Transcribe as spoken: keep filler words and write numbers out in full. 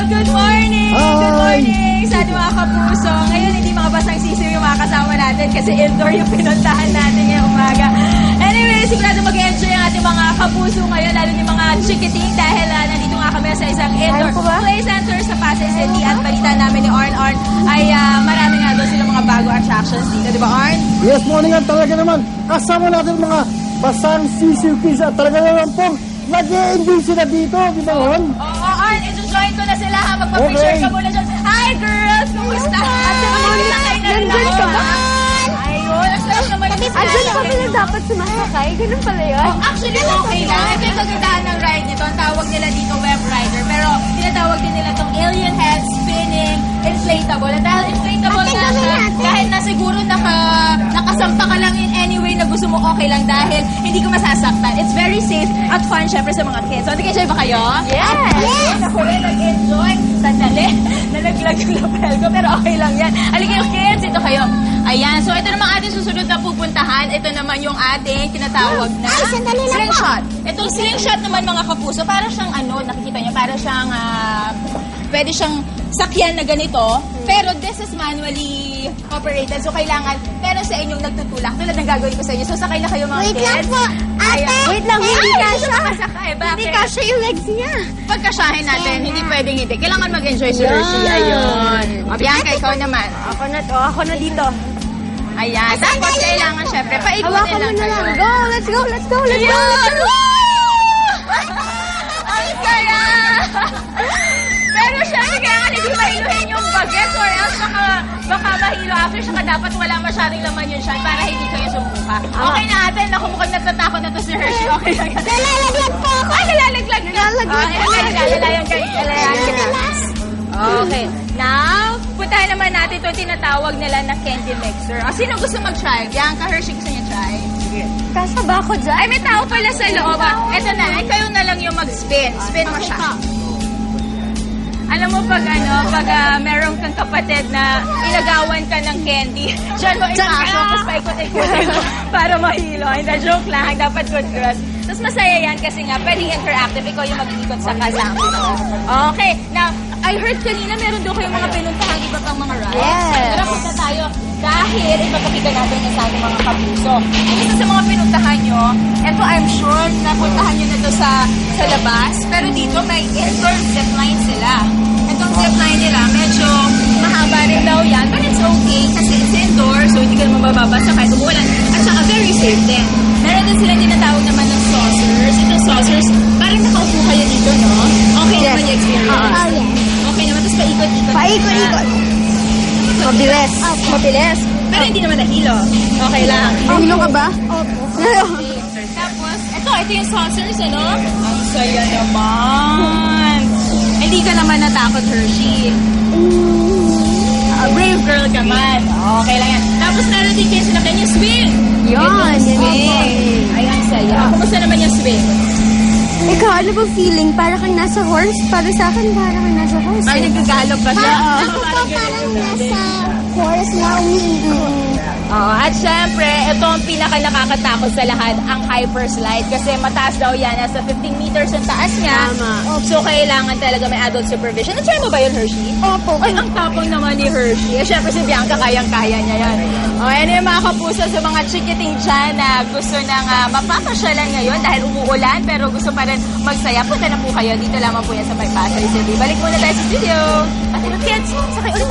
Good morning! Hi! Good morning sa ating mga kapuso. Ngayon, hindi mga basang sisiw yung mga kasama natin kasi indoor yung pinuntahan natin ngayong umaga. Anyway, sigurado mag-enjoy ang ating mga kapuso ngayon, lalo yung mga chikiting dahil uh, nandito nga kami sa isang indoor play center sa Pasay City at balita namin ni Arn Arn ay uh, marami nga doon silang mga bago attractions dito. Di ba, Arn? Yes, morning nga talaga naman. Kasama natin mga basang sisiw kids at talaga naman pong nag-e-enjoy sila dito. Di ba, Juan? Oo, Arn, i-join ko na sila ha. Magpa-picture Okay. ka muna dyan. Hi, girls! Kumusta? Ate, kumusta kayo na rin Nandun ka ba? Ayun, ang sarap naman yung Andun ka pala dapat sumasakay? Ganun pala yun? Actually, okay lang. Ito yung kagandahan ng ride nito. Ang tawag nila dito web rider. Pero tinatawag din nila itong alien head spinning inflatable. At dahil inflatable Ate, na gawin siya, natin. kahit na siguro naka, nakasampa ka lang in any way na gusto mo, okay lang dahil hindi ko masasaktan. It's very safe at fun syempre sa mga kids. So, nag-enjoy ba kayo? Yes! Yes! Ako rin nag-enjoy. Sandali. Nalaglag yung lapel ko pero okay lang yan. Halika yung kids, ito kayo. Ayan, so ito naman ating susunod na pupuntahan. Ito naman yung ating tinatawag na Ay, sandali lang po. slingshot. Itong slingshot naman mga kapuso, para siyang ano, nakikita niyo, para siyang, ah, pwede siyang sakyan na ganito. Pero this is manually operated. So kailangan, pero sa inyong nagtutulak, tulad ng gagawin ko sa inyo. So sakay na kayo mga Wait kids. lang po. Ate! Ayan. Wait lang, hindi Ay, kasha. hindi siya makasakay. Bakit? Hindi kasha yung legs niya. Pagkasyahin natin, Yan hindi na. pwedeng hindi. Kailangan mag-enjoy si Yan. Hershey. Ayun. O, Bianca, ikaw naman. Ako na to. Ako na dito. Ayan. Tapos kailangan, syempre, paikutin Hawakan lang mo na kayo. lang. Go! Let's go! Let's go! Let's go! Ayun! Woo! Ang saya! Pero syempre, kailangan hindi mahiluhin yung bagets or else baka, baka mahilo after saka dapat wala masyadong laman yun siya para hindi kayo sumuka. Okay na ate, naku mukhang natatakot na to si Hershey. Okay lang yan. Nalalaglag po ako. Ay, nalalaglag ka. Nalalaglag Ah, po. ilagay ka, lalayan ka. Lalayan ka. Okay. Now, puntahan naman natin ito tinatawag nila na candy mixer. O, sino gusto mag-try? Bianca, Hershey, gusto niya try? Kasha ba ako dyan? Ay, may tao pala sa loob. ah. Ito na, ay kayo na lang yung mag-spin. Spin mo siya. Alam mo pag ano, pag uh, meron kang kapatid na inagawan ka ng candy, dyan mo ipasok, tapos paikot-ikotin mo para mahilo. Hindi, joke lang, dapat good girls. Tapos masaya yan kasi nga, pwedeng interactive, ikaw yung mag-iikot sa kasama. Okay, now, I heard kanina meron doon kayong mga pinuntahan, iba pang mga rides. Yes. Tara, punta tayo. Dahil ipapakita natin na sa ating mga kapuso. Isa sa mga pinuntahan nyo, eto I'm sure napuntahan nyo na to sa, sa labas, pero dito may indoor zipline sila. Itong zipline nila, medyo mahaba rin daw yan, but it's okay kasi it's indoor, so hindi ka naman bababasa kahit umulan. At saka very safe din. Meron din sila tinatawag naman ng saucers. Itong saucers, parang nakaupo kayo dito, no? Okay naman yung experience. Oh, yes. Okay naman, tapos paikot-ikot. Paikot-ikot. Mabilis. Mabilis. Pero hindi naman nahilo. Okay lang. Nahilo ka ba? Opo. Tapos, ito, ito yung saucers, ano? Ang saya naman. Hindi ka naman natakot, Hershey. Uh, brave girl ka man. Okay lang yan. Tapos, meron din kayo sinabi yung swing. Yun, Itong yan swing. Ay, ang saya. Kumusta naman yung swing? Ikaw, ano ba feeling? Para kang nasa horse? Para sa akin, para kang nasa horse. Ay, nagagalog pa siya. Ako po parang nasa horse na umiikot. Oo, at syempre, ito ang pinaka nakakatakot sa lahat, ang hyperslide. Kasi mataas daw yan, nasa fifteen meters ang taas niya. Tama. So, kailangan talaga may adult supervision. Na-try mo ba yun, Hershey? Opo. Ay, ang tapang naman ni Hershey. Eh, syempre si Bianca, kayang-kaya niya yan. O, yan yung mga kapuso sa mga chikiting dyan na gusto nang uh, mapapasyalan ngayon dahil umuulan, pero gusto pa rin magsaya. Punta na po kayo. Dito lamang po yan sa May Pasay City. Balik muna tayo sa studio. At ito, kids, sakay ulit